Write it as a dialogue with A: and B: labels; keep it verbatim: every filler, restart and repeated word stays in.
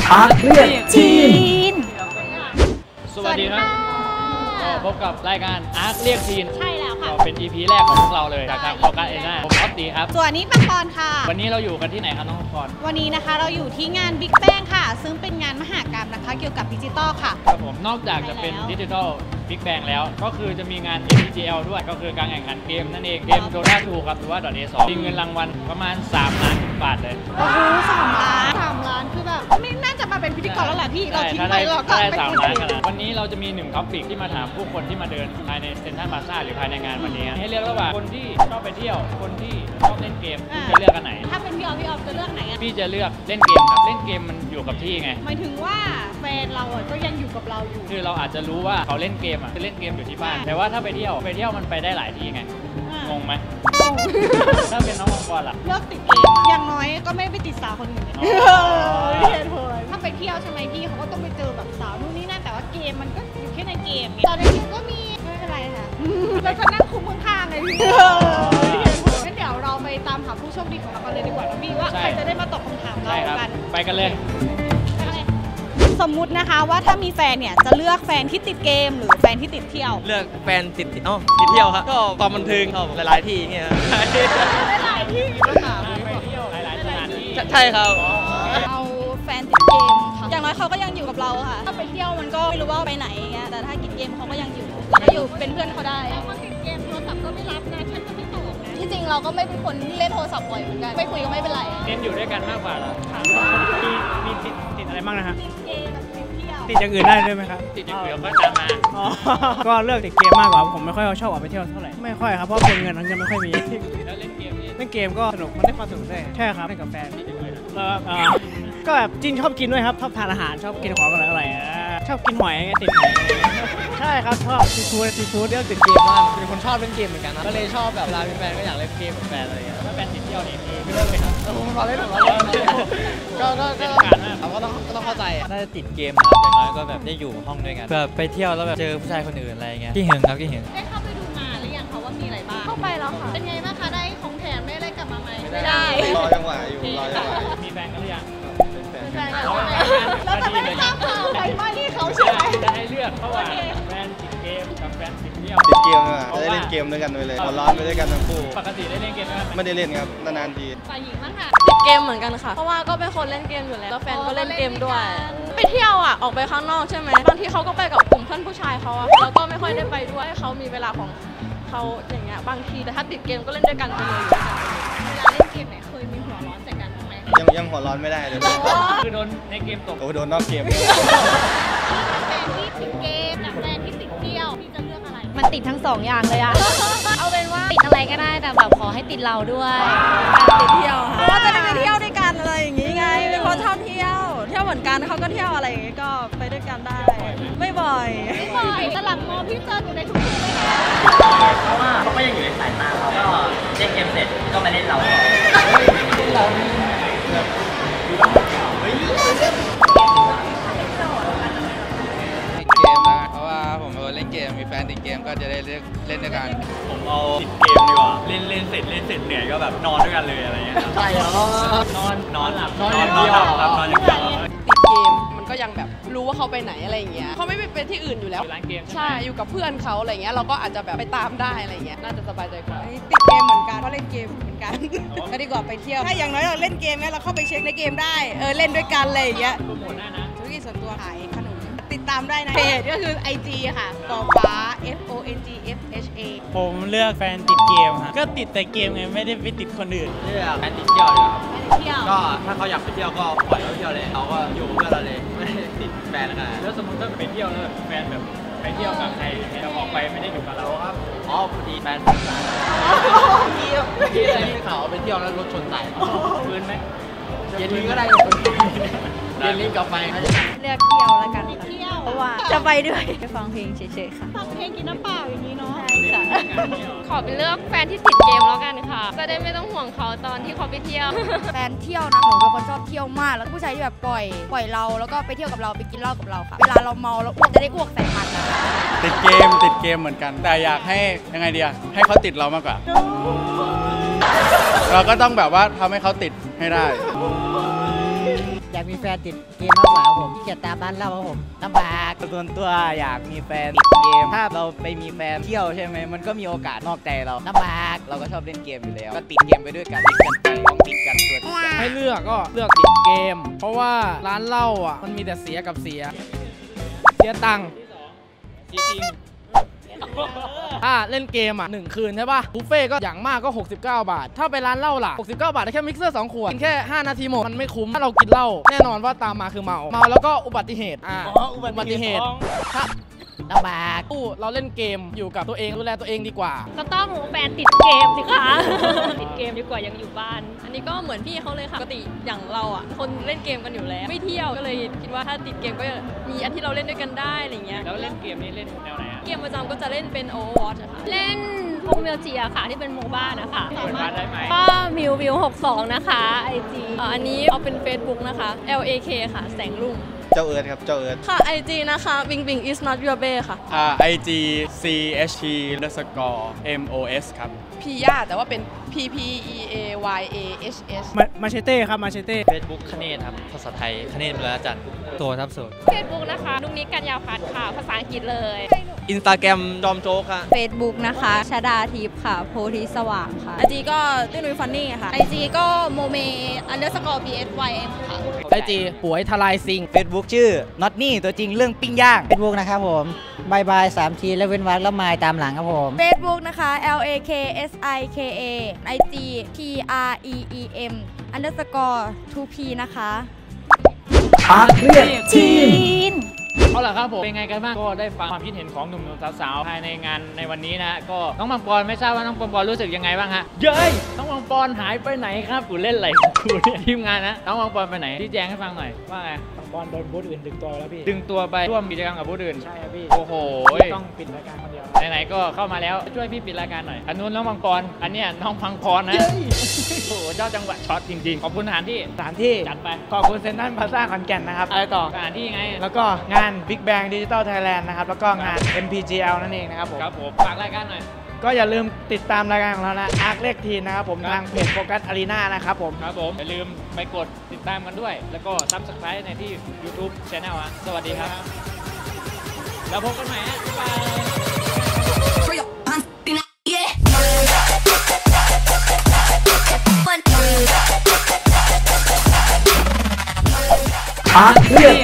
A: อาร์เรียกจีน
B: สวัสดีครับก็พบกับรายการอาร์คเรียกจีน
C: ใช่แล้วค่ะ
B: เป็น อี พี แรกของพวกเราเลยจากทางโฟกัสเอน่าผมออฟตีครับ
C: ส่วนนี้ปังปอนค่ะ
B: วันนี้เราอยู่กันที่ไหนครับน้องปอน
C: วันนี้นะคะเราอยู่ที่งาน Big Bang ค่ะซึ่งเป็นงานมหกรรมนะคะเกี่ยวกับดิจิตอลค่ะ
B: ครับผมนอกจากจะเป็นดิจิทัลบิ๊กแบงแล้วก็คือจะมีงาน เอ็ม ที จี แอล ด้วยก็คือการแข่งขันเกมนั่นเองเกม Dota ทูครับหรือว่า .เอ สองมีเงินรางวัลประมาณสามล้านบาทเลย
C: โอ้โหสามล้านสามล้านคือแบบไม่น่าจะมาเป็นพิธีกรแล้วแหละพี่เราทิ้งไปเราก็
B: ไม่สามล้านขนาดวันนี้เราจะมีหนึ่งท็อปิกที่มาถามผู้คนที่มาเดินภายในเซ็นทรัลพลาซ่าหรือภายในงานวันนี้ให้เลือกระหว่างคนที่ชอบไปเที่ยวคนที่ชอบเล่นเกมคุณจะเลือกอันไหน
C: ถ้าเป็นพี่ออฟพี่ออฟจะเลือกไหนอ่ะ
B: พี่จะเลือกเล่นเกมครับเล่นเกมมันอยู่กับที่ไง
C: หมายถึงว่าแฟนเราอ่ะก็ยังอยู่กับเราอยู่
B: คือเราอาจจะรู้ว่าเขาเล่นเกมอ่ะคือเล่นเกมอยู่ที่บ้านแต่ว่าถ้าไปเที่ยวไปเที่ยวมันไปได้หลายที่ไงงงไหมถ้าเป็นน้องมังกรล่ะ
C: เลือกติดเกมอย่างน้อยก็ไม่ไปติดสาวคนอื่นเหตุผลถ้าไปเที่ยวใช่ไหมพี่เขาก็ต้องไปเจอแบบสาวนู่นนี่นั่นแต่ว่าเกมมันก็อยู่แค่ในเกมไงตอนในเกมก็มีไม่เป็นไรค่ะเราจะนั่งคุมข้างๆไงพี่งั้นเดี๋ยวเราไปตามหาผู้โชคดีของเรากันเลยดีกว่านะพี่ว่าใครจะได้มาตอบคำถามเรากัน
B: ไปกันเลย
C: สมมุตินะคะว่าถ้ามีแฟนเนี่ยจะเลือกแฟนที่ติดเกมหรือแฟนที่ติดเที่ยว
D: เลือกแฟนติดอ๋อติดเที่ยวครับก็ความบันเทิงชอบหลายๆที่เงี้ย
C: หลายๆที่
B: ไปเที่ยวหลายๆสถานที่
D: ใช่ครับ
C: เอาแฟนติดเกมค่ะอย่างน้อยเขาก็ยังอยู่กับเราค่ะถ้าไปเที่ยวมันก็ไม่รู้ว่าไปไหนเงี้ยแต่ถ้าติดเกมเขาก็ยังอยู่เราก็อยู่เป็นเพื่อนเขาได้คนติดเกมโทรศัพท์ก็ไม่รับนะฉันก็ไม่ตอบนะที่จริงเราก็ไม่เป็นคนเล่นโทรศัพท์บ่อยเหมือนกันไม่คุยก็ไม่เป็นไร
B: เน้นอยู่ด้วยกันมากกว่าเรา
A: มีมีติดติดอะไรบ้างนะฮะ
C: ติดเกมติดเที่ยว
A: ติดอย่างอื่นได้ด้วยไหมครับ
B: ติดอย่างอื่นก็ตามมา
A: ก็เลือกติดเกมมากกว่าผมไม่ค่อยชอบออกไปเที่ยวเท่าไหร่ไม่ค่อยครับเพราะเป็นเงินเงินไม่ค่อยมี
B: แล้วเล่นเกม
A: เล่นเกมก็สนุกมันได้ความสนุกได้ใช่ครับเล่นกับแฟนก็แบบจินชอบกินด้วยครับชอบทานอาหารชอบกินของอร่อยๆชอบกินหอยติดหอยใช่ครับชอบซีฟู้ดซีฟู้ดเรื่องติดเกมมาก
D: เป็นคนชอบเล่นเกมเหมือนกันนะก็เลยชอบแบบเวลาเป็นแฟนก็อยากเล่นเกมกับแฟนอะไรอย่างเงี้ย
B: ถ้าแฟนติดเที่ยวนี่คือไม่เลิกเลยครับ
D: ผมรอเล่นผมรอเล่นก็ก็ก็เราก็ต้องก็ต้องเข้าใจ
E: น่าจะติดเกมครับอย่างน้อยก็แบบได้อยู่ห้องด้วยกันแบบไปเที่ยวแล้วแบบเจอผู้ชายคนอื่นอะไรเงี้ยที่หึงครับที่หึง
C: ได้เข้าไปดูมาหรือยังคะว่ามีอะไรบ้างเข้าไปแล้วค่ะเป็นไงบ้างคะได้ของแถมได้อะไรกลับมาไหมไม่ได้
D: รอจังหวะอยู่รอจังหวะ
B: มีแฟนกันหรือยัง
C: เป็นแฟนกันแล้วจะไม่ได้ตามข่าวไปไม่ที่เขาใช่ไหม
B: จะให้เลือกระหว่างแฟนติดเกมกับแฟนติดเที่ยว
D: ติดเกมอ่ะจะได้เล่นเกมด้วยกันไปเลยหัวร้อนไปด้วยกันทั้งคู่
B: ปกติได้เล่นเกมไหม
D: ไม่ได้เล่นครับนานๆที
C: ฝ่ายหญิงบ้างค่ะ
F: ติดเกมเหมือนกันค่ะเพราะว่าก็เป็นคนเล่นเกมอยู่แล้วแล้วแฟนก็เล่นเกมด้วยไปเที่ยวอ่ะออกไปข้างนอกใช่ไหมบางทีเขาก็ไปกับกลุ่มเพื่อนผู้ชายเขาอะแล้วก็ไม่ค่อยได้ไปด้วยเขามีเวลาของเขาอย่างเงี้ยบางทีแต่ถ้าติดเกมก็เล่นด้วยกันไปเลย
C: เวลาเล่นเกมไหนเคยมีหัวร้อนใส่กันบ้างไหม
D: ยังยังหัวร้อนไม่ได้เลย
B: คือโดนในเกมตก
D: โอ้โดนนอกเกม
C: แฟนที่ติดเกมกับแฟนที่ติดเที่ยวพี่จะเลือกอะไร
G: มันติดทั้งสองอย่างเลยอะเอาเป็นว่าติดอะไรก็ได้แต่แบบขอให้ติดเราด้วย
F: ติดเที่ยวเพราะว่าจะได้ไปเที่ยวด้วยกันอะไรอย่างงี้ไงเป็นคนชอบเที่ยวเที่ยวเหมือนกันเขาก็เที่ยวอะไรอย่างงี้ก็ไปด้วยกันได้ไม่บ่อย
C: ไม่บ่อยตลับมอพี่เจออยู่ในทุกที่เลยนะ
E: เพราะว่าเขาก็ยังอยู่ในสายตาเขาก็เล่นเกมเสร็จก็มาเล่นเราต่อเรา
D: เฮ้ย
H: เกมนะเพราะว่าผมเล่นเกมมีแฟนติดเกมก็จะได้เล่นเล่นด้วยกัน
B: ผมเอาติดเกมดีกว่าเล่นเล่นเสร็จเล่นเสร็จเหนื่อยก็แบบนอนด้วยกันเลยอะไรเงี้ย
D: ใช่เหร
B: อนอนนอนหลับนอนอย่างเดียวครับนอนอย่างเดียว
F: ติดเกมมันก็ยังแบบรู้ว่าเขาไปไหนอะไรอย่างเงี้ยเขาไม่ไปที่อื่นอยู่แล้ว
B: ร้านเกม
F: ใช่อยู่กับเพื่อนเขาอะไรเงี้ยเราก็อาจจะแบบไปตามได้อะไรเงี้ยน่าจะสบายใจกว่า
I: ติดเกมเหมือนกันเพราะเล่นเกมเหมือนกันก็ดีกว่าไปเที่ยวถ้าอย่างน้อยเราเล่นเกมเนี่ยเราเข้าไปเช็คในเกมได้เออเล่นด้วยกันอะไรอย่างเงี้ย
B: โปรโมทได้นะ
I: ธุรกิจส่วนตัวขายขนมติดตามได้นะเพจก็คือ ไอ จี ค่ะปอฟ้า F O N G F H A
A: ผมเลือกแฟนติดเกมฮะก็ติดแต่เกมไงไม่ได้ไปติดคนอื่น
D: เลือกแฟนติดเที่ยวเลย
C: ครับ
D: ก็ถ้าเขาอยากไปเที่ยวก็ปล่อยเขาเที่ยวเลยเราก็อยู่กับเพื่อนเราเลยไม่ได้ติดแฟนนะ
B: แล้วสมมติถ้าไปเที่ยวแล้วแฟนแบบไปเที่ยวกับใครจะออกไปไม่ได้อยู่กับเราครับ
D: อ๋อพอดีแฟนผมตายเมื่อกี้เมื่อกี้อะไรที่ข่าวไปเที่ยวแล้วรถชนตาย
B: ฟื้นไหม
D: เย็นนี้ก็ได้เย็นนี้กลับไป
G: เลือกเที่ยวแล้วกัน
C: เที่ยว
G: เพราะว่าจะไปด้วยไปฟังเพลงเฉยๆค่ะ
C: ฟังเพลงกินน้ำเปล่าอย่างนี้เนาะ
G: ใช่ค่ะ
F: ขอเป็นเลือกแฟนที่ติดเกมแล้วกันค่ะจะได้ไม่ต้องห่วงเขาตอนที่เขาไปเที่ยว
G: แฟนเที่ยวนะหนูเป็นคนชอบเที่ยวมากแล้วผู้ชายที่แบบปล่อยปล่อยเราแล้วก็ไปเที่ยวกับเราไปกินเหล้ากับเราค่ะเวลาเราเมาแล้วอ้วกจะได้อ้วกใส่มันนะ
A: ติดเกมติดเกมเหมือนกันแต่อยากให้ยังไงดีอะให้เขาติดเรามากกว่าเราก็ต้องแบบว่าทำให้เขาติดให้ได้
J: อยากมีแฟนติดเกมมากกว่าครับผมที่เกียจตามร้านเหล้าครับผมลำบาก
K: ส่วนตัวอยากมีแฟนติดเกม ถ้าเราไปมีแฟนเที่ยวใช่ไหมมันก็มีโอกาสนอกใจเราลำบากเราก็ชอบเล่นเกมอยู่แล้วก็ติดเกมไปด้วยกันติดกันไปต้องติดกันตัวติดกัน
D: ให้เลือกก็เลือกติดเกม เพราะว่าร้านเหล้าอ่ะมันมีแต่เสียกับเสีย เสียตังค์
B: จริง
D: ถ้าเล่นเกมอ่ะหนึ่งคืนใช่ป่ะบุฟเฟ่ก็อย่างมากก็หกสิบเก้าบาท ถ้าไปร้านเหล้าล่ะหกสิบเก้าบาทได้แค่มิกเซอร์สองขวดกินแค่ห้านาทีหมดมันไม่คุ้มถ้าเรากินเหล้าแน่นอนว่าตามมาคือเมาเมาแล้วก็อุบัติเหตุอ่าอุบัติเหตุถ้าลำบากตู้เราเล่นเกมอยู่กับตัวเองดูแลตัวเองดีกว่า
L: ก็ต้องแฟนติดเกมสิคะติดเกมดีกว่ายังอยู่บ้าน
F: อันนี้ก็เหมือนพี่เขาเลยค่ะปกติอย่างเราอ่ะคนเล่นเกมกันอยู่แล้วไม่เที่ยวก็เลยคิดว่าถ้าติดเกมก็มีอันที่เราเล่นด้วยกันได้อะไรเงี้ย
B: แล้วเล่นเกมนี้เล่นแนวไหนอะ
F: เกมประจำก็จะเล่นเป็น Overwatch อะค่ะ
L: เล่นพวกเมลจีอะค่ะที่เป็นโมบ้านะคะ
B: เปิดบ้านได้ไหม
L: ก็มิววิวหกสองนะคะไอจี
F: อันนี้เอาเป็น Facebook นะคะ L A K ค่ะแสงรุ่ง
K: เจ้าเอิร์ธครับเจ้าเอิร์ธ
F: ค่ะ ไอ จี นะคะ Bing Bing is not your bae ค่ะ
M: อ่า ไอ จี C H T underscore M O S ครับ
I: พีย่าแต่ว่าเป็น P P E A Y A H S
A: มาเชเต้ครับมาเชเต้
E: เฟซบุ๊กคเนตครับ ภาษาไทยคเนตเวลาจัดโซครับโซ
L: เฟซบุ๊กนะคะนุกนิกกัญญาพัฒน์ค่ะภาษาอังกฤษเลย
M: อินสตาแกรมดอมโจ๊กค่ะ
G: Facebook นะคะชดาทิพย์ค่ะโพธิสว่างค่ะ
F: ไอ จี ก็ตุ้ยนุ้ยฟันนี่ค่ะ
G: ไอจีก็โมเมอันเดอร์สกอร์ B S Y M ค่ะ
D: ไอจีป่วยทลายซิง
K: เฟซบุ๊กชื่อ น็อตนี่ตัวจริงเรื่องปิ้งย่าง
J: เฟซบุ๊กนะครับผมบายบายสามทีแล้วเว้นวรรคแล้วมายตามหลังครับผม
G: Facebook นะคะ L A K S I K A ไอ จี P R E E M underscore ทู P นะคะ
B: อาเรียกทีนเอาล่ะครับผมเป็นไงกันบ้างก็ได้ฟังความคิดเห็นของหนุ่มๆสาวๆภายในงานในวันนี้นะก็น้องปังปอนไม่ทราบว่าน้องปังปอนรู้สึกยังไงบ้างฮะเย้ยน้องปังปอนหายไปไหนครับกูเล่นอะไรของกูเนี่ยทีมงานนะน้องปังปอนไปไหนที่แจ้งให้ฟังหน่อยว่าไง
A: บอลโดนบูธอื่นดึงตัวแล้วพี่
B: ดึงตัวไปร่วมกิจกรรมกับผู้อื่น
A: ใช่ครับพี่
B: โอ้โห
A: ต้องปิดรายการคนเดียว
B: ไหนๆก็เข้ามาแล้วช่วยพี่ปิดรายการหน่อยอันนู้นน้องปังปอนอันเนี้ยน้องพังพรนะโอ้โหเจ้าจังหวะช็อตจริงๆขอบคุณสถานที่
A: สถานที่
B: จัดไป
A: ขอบคุณเซ็นทรัลพลาซ่าขอนแก่นนะครับ
B: อะไรต่อสถานที่ไง
A: แล้วก็งาน Big Bang Digital Thailand นะครับ แล้วก็งาน เอ็ม พี จี แอล นั่นเองนะครับผม
B: ครับผมฝากรายการหน่อย
A: ก็อย่าลืมติดตามรายการของเรานะอาร์คเลขทีนะครับผมทางเพจโฟกัสอารีนานะครับผม
B: ครับผมอย่าลืมไปกดติดตามกันด้วย แล้วก็ Subscribe ในที่ YouTube Channel อ่ะสวัสดีครับ แล้วพบกันใหม่ฮะบ๊ายบาย
N: อาร์เรีย